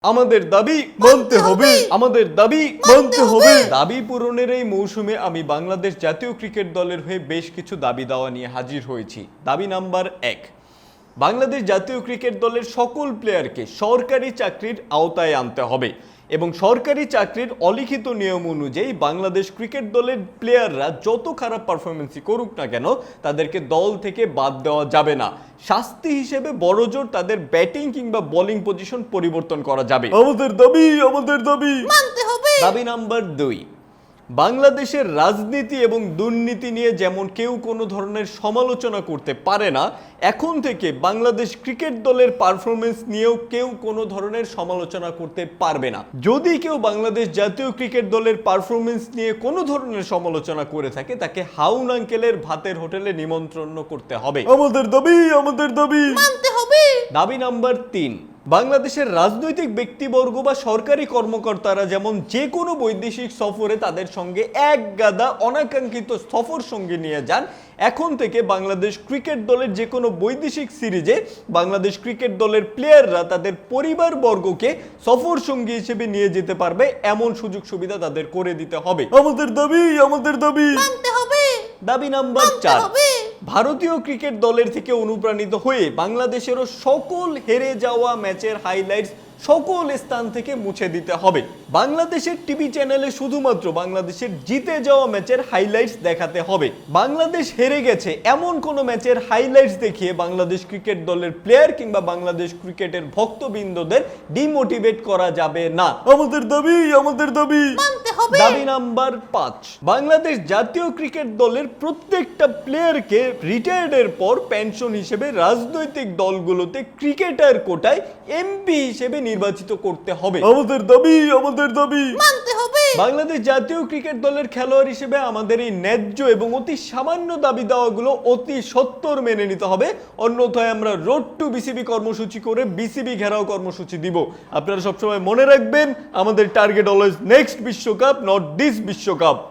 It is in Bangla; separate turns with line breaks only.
আমাদের দাবি মানতে হবে, আমাদের দাবি মানতে হবে। দাবি পূরণের এই মৌসুমে আমি বাংলাদেশ জাতীয় ক্রিকেট দলের হয়ে বেশ কিছু দাবি দাওয়া নিয়ে হাজির হয়েছি। দাবি নাম্বার 1, বাংলাদেশ জাতীয় ক্রিকেট দলের সকল প্লেয়ারকে সরকারি চাকরির আওতায় আনতে হবে এবং সরকারি চাকরির অলিখিত নিয়ম অনুযায়ী বাংলাদেশ ক্রিকেট দলের প্লেয়াররা যত খারাপ পারফরমেন্সই করুক না কেন তাদেরকে দল থেকে বাদ দেওয়া যাবে না। শাস্তি হিসেবে বড়জোর তাদের ব্যাটিং কিংবা বোলিং পজিশন পরিবর্তন করা যাবে। আমাদের দাবি
মানতে হবে।
দাবি নাম্বার 2, বাংলাদেশের রাজনীতি এবং দুর্নীতি নিয়ে যেমন কেউ কোনো ধরনের সমালোচনা করতে পারে না, এখন থেকে বাংলাদেশ ক্রিকেট দলের পারফরমেন্স নিয়েও কেউ কোনো ধরনের সমালোচনা করতে পারবে না। যদি কেউ বাংলাদেশ জাতীয় ক্রিকেট দলের পারফরমেন্স নিয়ে কোনো ধরনের সমালোচনা করে থাকে তাকে হাউন আঙ্কেলের ভাতের হোটেলে নিমন্ত্রণ করতে হবে। আমাদের দাবি
মানতে হবে।
দাবি নাম্বার 3, বাংলাদেশের রাজনৈতিক ব্যক্তিবর্গ বা সরকারি কর্মকর্তারা যেমন যে কোনো বৈদেশিক সফরে তাদের সঙ্গে এক গাদা অনাকাঙ্ক্ষিত সফর সঙ্গে নিয়ে যান, এখন থেকে বাংলাদেশ ক্রিকেট দলের যে কোনো বৈদেশিক সিরিজে বাংলাদেশ ক্রিকেট দলের প্লেয়াররা তাদের পরিবারবর্গকে সফর সঙ্গী হিসেবে নিয়ে যেতে পারবে, এমন সুযোগ সুবিধা তাদের করে দিতে হবে। আমাদের দাবি
মানতে হবে।
দাবি নাম্বার 4, ভারতীয় ক্রিকেট দলের থেকে অনুপ্রাণিত হয়ে বাংলাদেশেরও সকল হেরে যাওয়া ম্যাচের হাইলাইটস সকল স্থান থেকে মুছে দিতে হবে। বাংলাদেশের টিভি চ্যানেলে শুধুমাত্র বাংলাদেশের জিতে যাওয়া ম্যাচের হাইলাইটস দেখাতে হবে। বাংলাদেশ হেরে গেছে এমন কোনো ম্যাচের হাইলাইটস দেখিয়ে বাংলাদেশ ক্রিকেট দলের প্লেয়ার কিংবা বাংলাদেশ ক্রিকেটের ভক্তবৃন্দদের ডিমোটিভেট করা যাবে না। আমাদের দাবি
মানতে হবে।
দাবি নাম্বার 5, বাংলাদেশ জাতীয় ক্রিকেট দলের প্রত্যেকটা প্লেয়ারকে রিটায়ার্ডের পর পেনশন হিসেবে রাজনৈতিক দলগুলোতে ক্রিকেটার কোটায় এমপি হিসেবে নির্বাচিত করতে হবে। আমাদের দাবি
মানতে হবে।
বাংলাদেশ জাতীয় ক্রিকেট দলের খেলোয়াড় হিসেবে আমাদের এই ন্যায্য এবং অতি সামান্য দাবি দাওয়াগুলো অতি সত্বর মেনে নিতে হবে, অন্যথায় আমরা রোড টু বিসিবি কর্মসূচি করে বিসিবি ঘেরাও কর্মসূচি দিব। আপনারা সবসময় মনে রাখবেন, আমাদের টার্গেট অলওয়েজ নেক্সট বিশ্বকাপ, নট দিস বিশ্বকাপ।